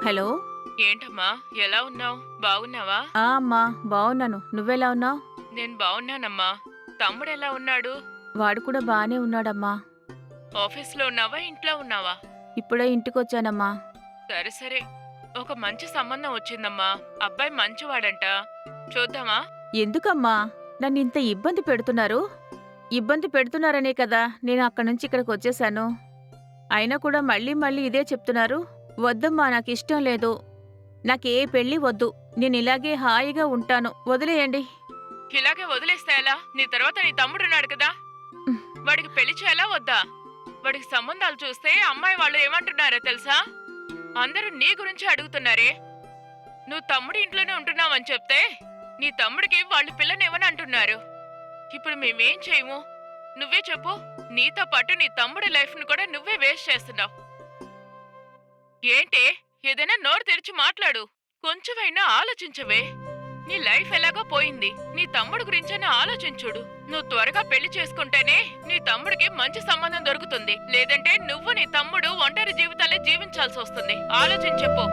Hello. ఏంటమ్మా ఎలా ఉన్నావు? బాగున్నావా? అమ్మా, బాగున్నాను. నువ్వెలా ఉన్నావు? నేను బాగున్నానమ్మా. తమ్ముడు ఎలా ఉన్నాడు? వాడు కూడా బానే ఉన్నాడమ్మా. ఆఫీస్లో ఉన్నావా, ఇంట్లో ఉన్నావా? ఇప్పుడే ఇంటికొచ్చానమ్మా. సరే సరే, ఒక మంచి సంబంధం వచ్చిందమ్మా. అబ్బాయి మంచివాడంట. చూద్దామా? ఎందుకమ్మా నన్నింత ఇబ్బంది పెడుతున్నారు? ఇబ్బంది పెడుతున్నారనే కదా నేను అక్కడి నుంచి ఇక్కడికి వచ్చేశాను. అయినా కూడా మళ్ళీ మళ్ళీ ఇదే చెప్తున్నారు. వద్దమ్మా, నాకిష్టం లేదు. నాకే పెళ్లి వద్దు. నేనిలాగే హాయిగా ఉంటాను. వదిలేయండి. ఇలాగే వదిలేస్తే ఎలా? నీ తర్వాత నీ తమ్ముడున్నాడు కదా, వాడికి పెళ్లి చేయాలా వద్దా? వాడికి సంబంధాలు చూస్తే అమ్మాయి వాళ్ళు ఏమంటున్నారో తెలుసా? అందరూ నీ గురించి అడుగుతున్నారే. నువ్వు తమ్ముడి ఇంట్లోనే ఉంటున్నావని చెప్తే నీ తమ్ముడికి వాళ్ళు పిల్లనివ్వని అంటున్నారు. ఇప్పుడు మేమేం చేయము? నువ్వే చెప్పు. నీతో పాటు నీ తమ్ముడి లైఫ్ను కూడా నువ్వే వేస్ట్ చేస్తున్నావు. ఏంటే, ఏదైనా నోరు తెరిచి మాట్లాడు. కొంచెమైనా ఆలోచించవే. నీ లైఫ్ ఎలాగో పోయింది. నీ తమ్ముడు గురించైనా ఆలోచించుడు. నువ్వు త్వరగా పెళ్లి చేసుకుంటేనే నీ తమ్ముడికి మంచి సంబంధం దొరుకుతుంది. లేదంటే నువ్వు నీ తమ్ముడు ఒంటరి జీవితాలే జీవించాల్సి వస్తుంది. ఆలోచించెప్పు.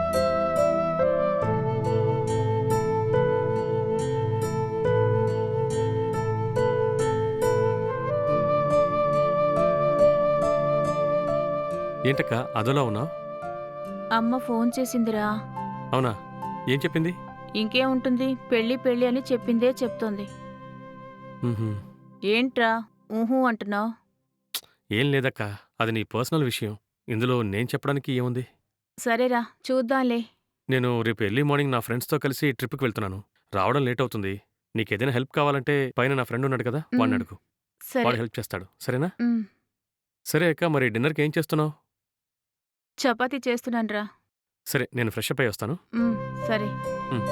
ఏంటక్క అదోలా ఉన్నావు? అమ్మ ఫోన్ చేసిందిరా. అవునా? ఏం చెప్పింది? ఇంకేముంటుంది, పెళ్లి పెళ్లి అని చెప్పిందే చెప్తోంది. మ్హూ. ఏంట్రా ఊహూ అంటున్నావు? ఏం లేదక్క, అది నీ పర్సనల్ విషయం. ఇందులో నేను చెప్పడానికి ఏముంది? సరేరా, చూద్దాంలే. నేను రేపు ఎర్లీ మార్నింగ్ నా ఫ్రెండ్స్తో కలిసి ట్రిప్కి వెళ్తున్నాను. రావడం లేట్ అవుతుంది. నీకేదైనా హెల్ప్ కావాలంటే పైన నా ఫ్రెండ్ ఉన్నాడు కదా, వాడిని అడుగు. సరే. వాడు హెల్ప్ చేస్తాడు. సరేనా? ఉమ్, సరే అక్క, మరి డిన్నర్కి ఏం చేస్తున్నావు? చపాతీ చేస్తున్నానురా. సరే, నేను ఫ్రెష్ అప్ అయి వస్తాను. సరే. మ్.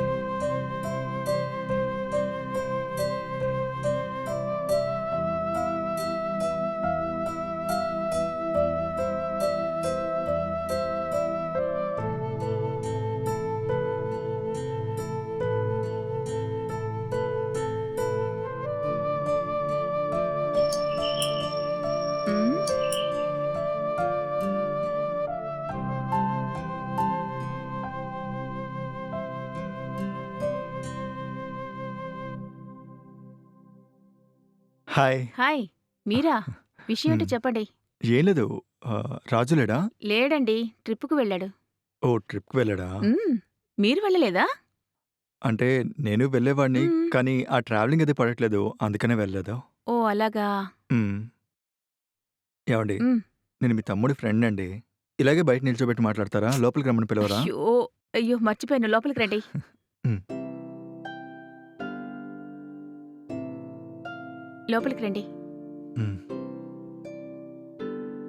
ఉమ్, హాయ్. హాయ్. మీరా? విషయం ఏంటో చెప్పండి. ఏం లేదు. రాజు లేడా? లేడండి, ట్రిప్పుకు వెళ్ళాడు. ఓ ట్రిప్కి వెళ్ళాడా? మీరు వెళ్ళలేదా? అంటే నేను వెళ్ళేవాడిని, మ్మ్. కానీ ఆ ట్రావెలింగ్ అది పడట్లేదు, అందుకనే వెళ్ళలేదు. ఓ అలాగా. మ్మ్. ఏమండి, మ్, నేను మీ తమ్ముడి ఫ్రెండ్ అండి. ఇలాగే బయట నిల్చోబెట్టి మాట్లాడతారా? లోపలికి రమ్మని పిలవరా? అయ్యో అయ్యో, మర్చిపోయాను. లోపలికి రండి. మ్మ్. లోపలికి రండి. మ్మ్.